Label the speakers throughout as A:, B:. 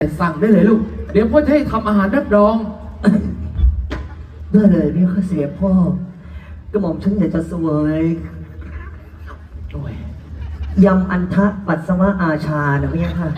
A: สั่งได้เลยลูกเดี๋ยวพ่อจะให้ทำอาหารรับรอง
B: ได้เลยพี่ข้าเสียพ่อกระหม่อมฉันอยากจะเสวย
A: โอ้ย
B: ยำอันทะปัสสาวะอาชานะพี่ค่ะ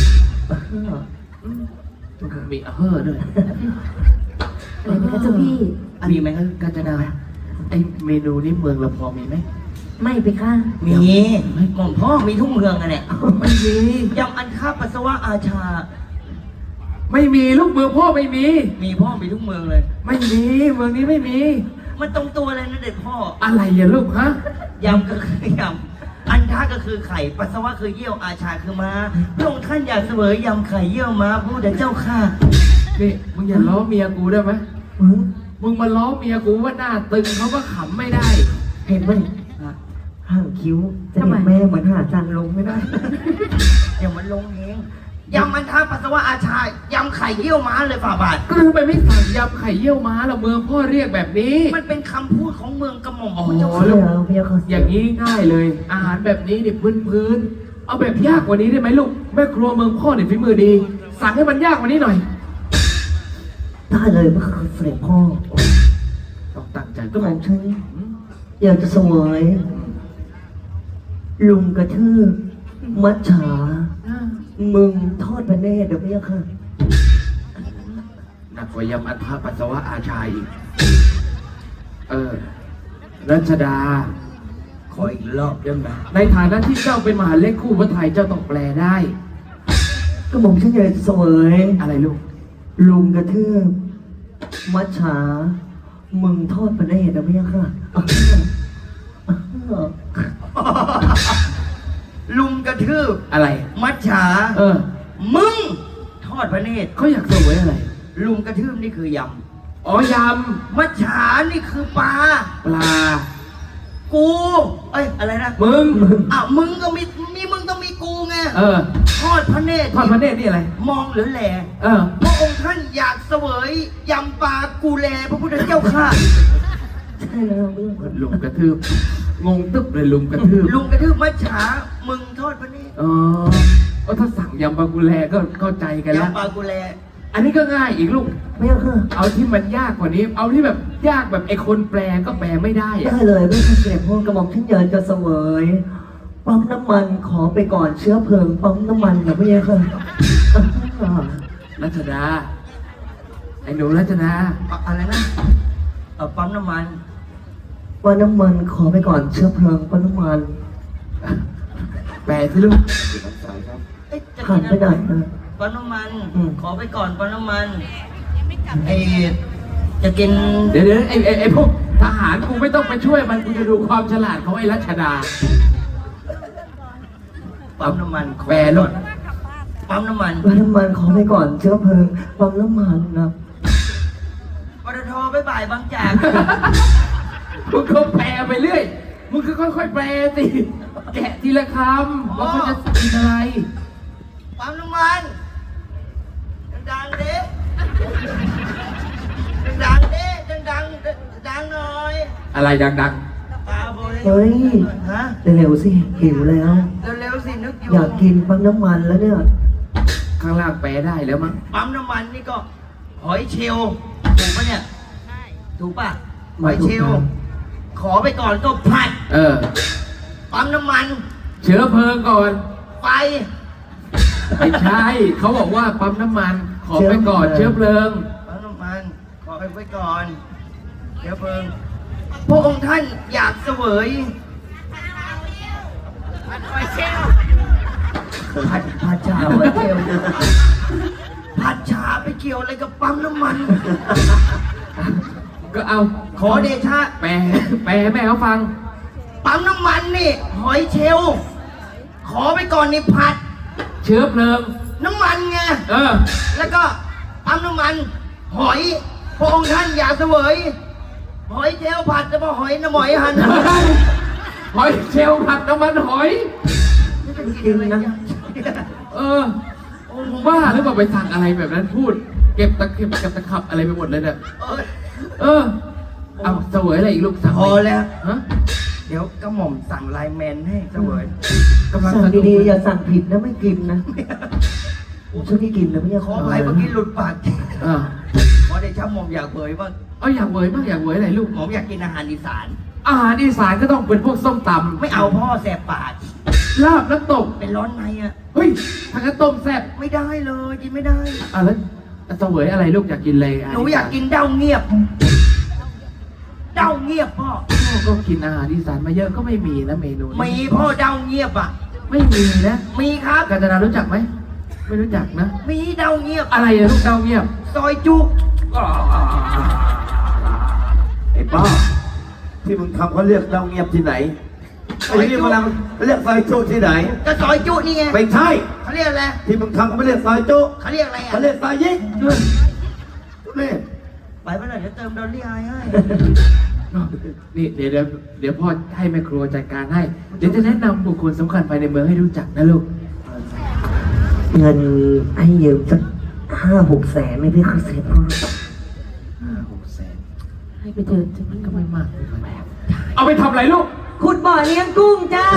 A: มีเฮอด้วย
C: อะไรนะคะเจ้าพี่
A: มีไหมครับกาญจนาไอเมนูนี้เมืองเราพอมีไหม
C: ไม่ไปค่ะ
B: มีหม่อมพ่อมีทุกเมืองอะเนี่ย
A: ไม่มี
B: ยำอันทะปัสสาวะอาชา
A: ไม่มีลูกเมืองพ่อไม่มี
B: พ่อมีทุกเมืองเลย
A: ไม่มีเมืองนี้ไม่มี
B: มันตรงตัวเลยนะเด็กพ่อ
A: อะไรอย่าลูกฮะ
B: ยำก็คือยำอันทะก็คือไข่ปัสสาวะคือเยี่ยวอาชาคือม้าพระองค์ท่านอยากเสวยยำไข่เยี่ยวม้าพูดเดี๋ยวเจ้าข้า
A: นี่มึงอย่าล้อเมียกูได้ไหมมึงมาล้อเมียกูว่าหน้าตึงเขาก็ขำไม่ได้
B: เห็นไหมห่างคิ้วจะเห็นแม่เหมือนหาจันลงไม่ได้อย่ามันลงเองยำอันทะปัสสาวะอาชายำไข่เยี่ยวม้าเลยฝ่าบาท
A: ก็ทำไมไม่สั่งยำไข่เยี่ยวม้าเราเมืองพ่อเรียกแบบนี้
B: มันเป็นคำพูดของเมืองกระหม่อม
A: เจ้าค่ะอย่างนี้ง่ายเลยอาหารแบบนี้เนี่ยพื้นเอาแบบยากกว่านี้ได้ไหมลูกแม่ครัวเมืองพ่อเนี่ยฝีมือดีสั่งให้มันยากกว่านี้หน่อย
B: ได้เลยเมื่อคืนเสด็จพ่อ
A: ต้องตั้งใจ
B: กระหม่อมฉันอยากจะเสวยลุงกระทืบมัจฉามึงทอดพระเนตรเดี๋ยวพี่ค่ะ
A: หนักกว่ายำอันทะปัสสาวะอาชาอีกรัชดา
B: ขออีกรอบได้ไหม
A: ในฐานะที่เจ้าเป็นมหาเล็กคู่พระไทยเจ้าต้องแปลได้
B: ก็ผมฉันอยากเสวย
A: อะไรลูก
B: ลุงกระทืบมัจฉามึงทอดพระเนตรเดี๋ยวพี่ค่ะลุงกระทืบ
A: อะไร
B: มัจฉามึงทอดพระเนตร
A: เขาอยากเสวยอะไร
B: ลุงกระทืบนี่คือยำ
A: ย
B: ำมัจฉานี่คือปลากูอะไรนะ
A: มึง
B: มึงก็มีมึงต้องมีกูไงทอดพระเนตร
A: นี่อะไร
B: มองหรือแหล่พระองค์ท่านอยากเสวยยำปลากูแลพระพุทธเจ้าข้าใช่แล้ว
A: ลุงกระทืบงงตึ๊บเลยลุงกระทื
B: บมัจฉามึงทอดพระเนตร
A: ก็ถ้าสั่งยำปลากุแลก็เข้าใจกันแล้ว
B: ยำปลากุแล
A: อันนี้ก็ง่ายอีกลูก
B: ไม่
A: เอาที่มันยากกว่านี้เอาที่แบบยากแบบไอ้คนแปลก็แปลไม่ได้
B: ได้เลยไม่ใช่เสด็จพ่อกระหม่อมท่านเยินจะเสวยปั๊มน้ำมันขอไปก่อนเชื้อเพลิงปั๊มน้ำมันนะพี่ค่ะ
A: รัชดาไอ้หนูรัชดา
B: อะไรนะปั๊มน้ำมันขอไปก่อนเชื้อเพลิงปั๊มน้ำมัน
A: แปลสิลูก
B: ผ่านไปไหนปั๊มน้ำมันขอไปก่อนปั๊มน้ำมันจะกิน
A: เดี๋ยวไอ้พวกทหารกูไม่ต้องไปช่วยมันกูจะดูความฉลาดของไอ้รัชดา
B: ปั๊มน้ำมัน
A: แปลลูก
B: ปั๊มน้ำมันขอไปก่อนเชื้อเพลิงปั๊มน้ำมันนะปตทไปบ่ายบางจาก
A: มึงก็แปลไปเรื่อยมึงก็ค่อยๆแปลสิแกะทีละคำว่าเขาจะกินอะไร
B: ปั๊มน้ำมันดังๆดิดังหน่อย
A: อะไรดัง
B: เฮ้ยเร็วสิหิวแล้วเร็วสินึกอยู่อยากกินปั๊มน้ำมันแล้วเนี่ย
A: ข้างล่างแปลได้แล้วมั้ง
B: ปั๊มน้ำมันนี่ก็หอยเชลล์ถูกปะเนี่ยถูกปะหอยเชลล์ขอไปก่อนก็ผัดปั๊มน้ำมัน
A: เชื้อเพลิงก่อน
B: ไฟ
A: ไม่ใช่เขาบอกว่าปั๊มน้ำมันขอไปก่อนเชื้อเพลิง
B: ปั๊มน้ำมันขอไปก่อนเชื้อเพลิงพระองค์ท่านอยากเสวยผัดชาไปเกี่ยวผัดชาไปเกี่ยวอะไรกับปั๊มน้ำมัน
A: ก็เอา
B: ขอเดชะ
A: แปลแม่เขาฟัง
B: ปั๊มน้ำมันนี่หอยเชลล์ขอไปก่อนนี่ผัด
A: เชื้อเพลิง
B: น้ำมันไงแล้วก็ปั๊มน้ำมันหอยพระองค์ท่านอยากเสวยหอยเชลล์ผัดจะมาหอยน้ำหอยหัน
A: หอยเชลล์ผัดน้ำมันหอย
B: กินนะ
A: บ้าหรือเปล่าไปสั่งอะไรแบบนั้นพูดเก็บตะขับอะไรไปหมดเลยเนี่ยเอาเสวยอะไรอีกลูกสั่ง
B: พอแล้วเดี๋ยวกระหม่อมสั่งไลน์แมนให้เสวย
A: กำลัง
B: สั่งดีๆอย่าสั่งผิดนะไม่กินนะ
C: ช่วยพี่กินนะพี่
B: ขออภัยเมื่อกี้หลุดปาก
A: อ่า
B: ขอได้ช้หม่อมอยากเผยบ้าง
A: เอาอยากเวยบ้างอยากเวยอะไรลูก
B: หม่อมอยากกินอาหารอีสาน
A: อาหารอีสานก็ต้องเป็นพวกส้มตำ
B: ไม่เอาพ่อแสบปาก
A: ลาบน้ำตก
B: เป็นร้อนในอ่ะ
A: เฮ้ยทางนั้นต้มแซ่บ
B: ไม่ได้เลยกินไม่ได้
A: อ่ะแล้วเสวยอะไรลูกอยากกินอะไร
B: หนูอยากกินเด้าเงียบ เด้าเงียบพ่อ
A: พ่อก็กินอาหารอีสานมาเยอะก็ไม่มีนะเมนูนี้
B: มีพ่อเด้าเงียบอ่ะ
A: ไม่มีนะ
B: มีครับ
A: กาญจนารู้จักไหมไม่รู้จักนะ
B: มีเด้าเงียบ
A: อะไรอะลูกเดาเงียบ
B: ซอยจุก
D: ไอ้ป้าที่มึงทำเขาเรียกเราเงียบที่ไหนไอ้นี่มันเรียกซอยจุที่ไหน
B: ก็ซอยจุนี่ไง
D: ไม่ใช่
B: เขาเรียกอะไร
D: ที่มึงทำเขาไม่เรียกซอยจุ
B: เขาเรียกอะไรอ่ะ
D: เขาเรียกซอยยิงทุเรศ
B: ไปเมื่อไหร่เดี๋ยวเติมดอลลี่ไอให้
A: นี่เดี๋ยวพ่อให้แม่ครัวจัดการให้ เดี๋ยวจะแนะนำบุคคลสำคัญภายในเมืองให้รู้จักนะลูก
C: เงินให้ยืมสัก5-6 แสนไหม่พี่เขาเสร็จพ่อ
A: 5-6 แสน
C: ให้ไปเถอะ
A: มันก็ไม่มากเอาไปทำอะไรลูก
C: ขุดบ่อเลี้ยงกุ้งจ้า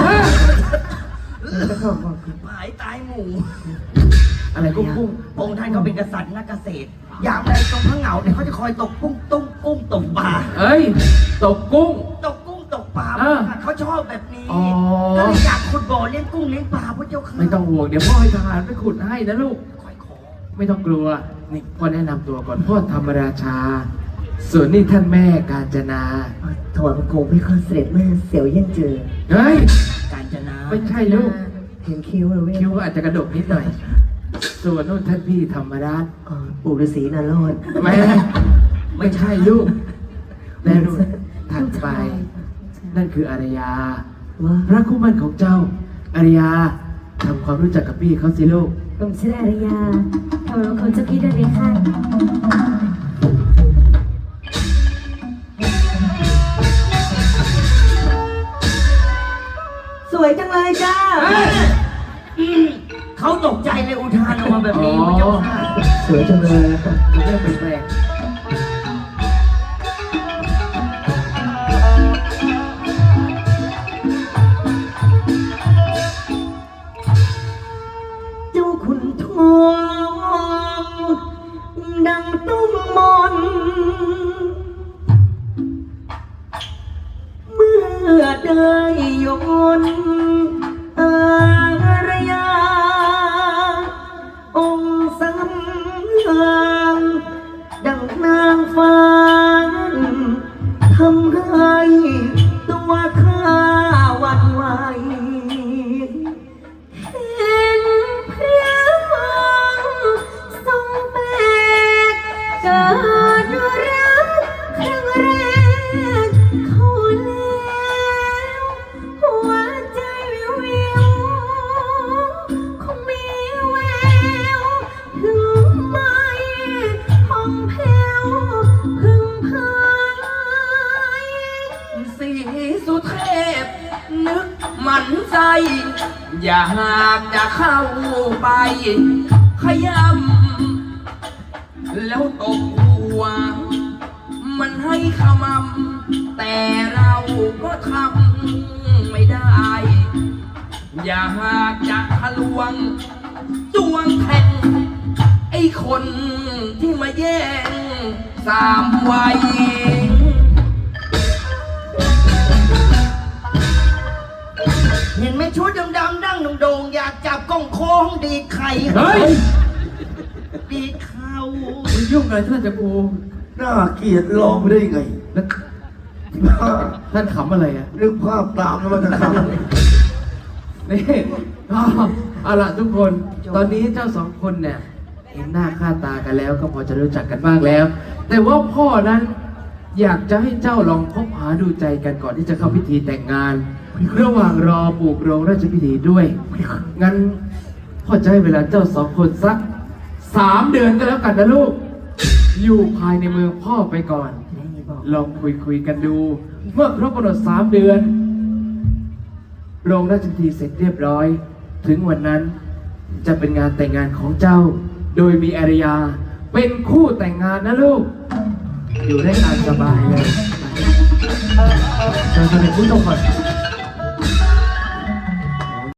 B: หายตายหมู่
A: อะไรกุ้ง
B: พระองค์ท่านเขาเป็นกษัตริย์นักเกษตร อย่างไรตรงพระเหงาเนี่ยเขาจะคอยตกกุ้งตุ้งกุ้งตกปลา
A: เอ้ยตกกุ้ง
B: ตกกุ้งตกปลา
A: เออ
B: เขาชอบแบบนี้
A: อ๋อ
B: ก็เลยอยากขุดบ่อเลี้ยงกุ้งเลี้ยงปลาพระเจ้าค่ะ
A: ไม่ต้องห่วงเดี๋ยวพ่อให้ทหารไปขุดให้นะลูก
B: คอยขอ
A: ไม่ต้องกลัว นี่พ่อแนะนำตัวก่อนพ่อธรรมราชา ส่วนนี่ท่านแม่กาญจนา
C: ถอดโคมพี่เขาเสร็จแม่เสียวเยี่ยนเจอ
A: เฮ้ย
B: การจนา
A: ไม่ใช่ลูก
C: เห็นคิ้วเลยพี่
A: คิ้วก็อาจจะกระดกนิดหน่อย ส่วนนู่นท่านพี่ธรรมราช
C: ปู่ฤาษีนารอด
A: ไม่ใช่ลูกและนู่นถัดไป นั่นคืออารยา
C: ว่า
A: พระคู่มั่นของเจ้า อารยาทำความรู้จักกับพี่เขาสิลูก
C: ผมชื่ออารยาทำรองคนเจ้าพี่ได้ไหมคะสวยจังเลยจ้า
B: เขาตกใจเลยอุทานออกมาแบบนี้
A: อ๋อ
B: พระเจ้าค่ะ
C: สวยจังเลย
A: จะเริ่มเป็นแปลก
C: เจ้าขุนทองดังตุ้มมน เมื่อได้ยนอารยา องค์สำคัญดังนางฟ้าทำให้ตัวข้าหวั่นไหว เห็นพระทรงแบกเกิดรักครั้งแรกเขาแล้วหัวใจวิวคงมีแววถึงไม่ห้องแผ้วพึงพาย
B: สีสุเทพ นึกหมันใจ อยากจะเข้าไป ขยำแล้วตบหัว มันให้ขมำแต่เราก็ทำไม่ได้ อยากจะทะลวงจ้วงแทงไอ้คนที่มาแย่งสามวัย เห็นไหมชุดดำๆดั้งโด่งๆอยากจับกล้องโค้งดีดไข่
A: เฮ้ย
B: ดีดเข่า
A: มึงยุ่งอะไรท่านจะกู
D: น่าเกลียดลองไปได้ไง
A: แล้วท่านขำอะไรอ่ะ
D: นึกภาพตามแล้วมันจะทำ
A: นี่เอาล่ะทุกคน ตอนนี้เจ้าสองคนเนี่ย เห็นหน้าค่าตากันแล้วก็พอจะรู้จักกันบ้างแล้ว แต่ว่าพ่อนั้น อยากจะให้เจ้าลองคบหาดูใจกันก่อนที่จะเข้าพิธีแต่งงาน ระหว่างรอปลูกโรงราชพิธีด้วย งั้นพ่อจะให้เวลาเจ้าสองคนสัก3 เดือนก็แล้วกันนะลูก อยู่ภายในเมืองพ่อไปก่อน ลองคุยกันดู เมื่อครบกำหนด3 เดือน โรงราชพิธีเสร็จเรียบร้อย ถึงวันนั้นจะเป็นงานแต่งงานของเจ้า โดยมีอารยา เป็นคู่แต่งงานนะลูก อยู่ได้ตามสบายเลยเราจะเป็นผู้ชมก่อน